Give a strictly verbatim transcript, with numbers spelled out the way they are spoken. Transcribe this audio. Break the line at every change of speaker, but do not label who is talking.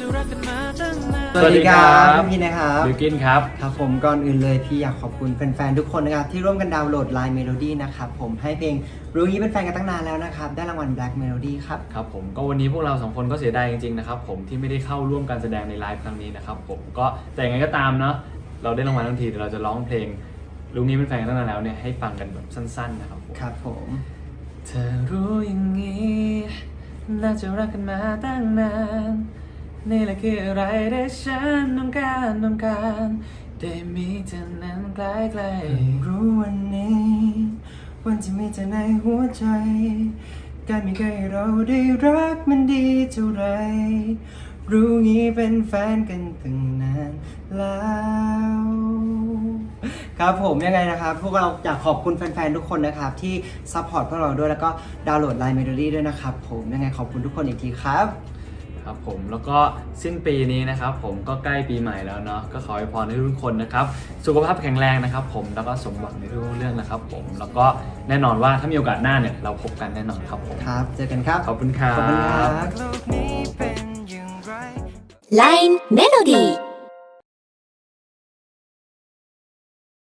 สวัสดีครับพี่นะครับ
บิวกินครับ
ครับผมก่อนอื่นเลยพี่อยากขอบคุณแฟนๆทุกคนนะครับที่ร่วมกันดาวน์โหลด ไลน์ Melody นะครับผมให้เพลงรู้งี้เป็นแฟนกันตั้งนานแล้วนะครับได้รางวัล Black Melody ครับ
ครับผมก็วันนี้พวกเราสองคนก็เสียดายจริงๆนะครับผมที่ไม่ได้เข้าร่วมการแสดงในไลฟ์ครั้งนี้นะครับผมก็แต่ยังไงก็ตามเนาะเราได้รางวัลทั้งทีเดี๋ยวเราจะร้องเพลงรู้งี้เป็นแฟนกันตั้งนานแล้วเนี่ยให้ฟังกันแบบสั้นๆนะครับผม
ครับผม
เธอรู้อย่างนี้น่าจะรักกันมาตั้งนานนี่แหละคืออะไรได้ฉันต้องการต้องการได้มีเธอนั้นใกล้ๆ
รู้วันนี้วันที่มีเธอในหัวใจการมีใครเราได้รักมันดีเท่าไรรู้งี้เป็นแฟนกันตั้งนานแล้วครับผมยังไงนะครับพวกเราอยากขอบคุณแฟนๆทุกคนนะครับที่ซัพพอร์ตพวกเราด้วยแล้วก็ดาวน์โหลด ไลน์ Melody ด้วยนะครับผมยังไงขอบคุณทุกคนอีกทีครับ
ครับผมแล้วก็สิ้นปีนี้นะครับผมก็ใกล้ปีใหม่แล้วเนาะก็ขอให้พรให้ทุกคนนะครับสุขภาพแข็งแรงนะครับผมแล้วก็สมหวังในทุกเรื่องนะครับผมแล้วก็แน่นอนว่าถ้ามีโอกาสหน้าเนี่ยเราพบกันแน่นอนครับผม
ครับเจอกันครับ
ขอบคุณครับ
ขอบคุณครับ
ไลน์ Melody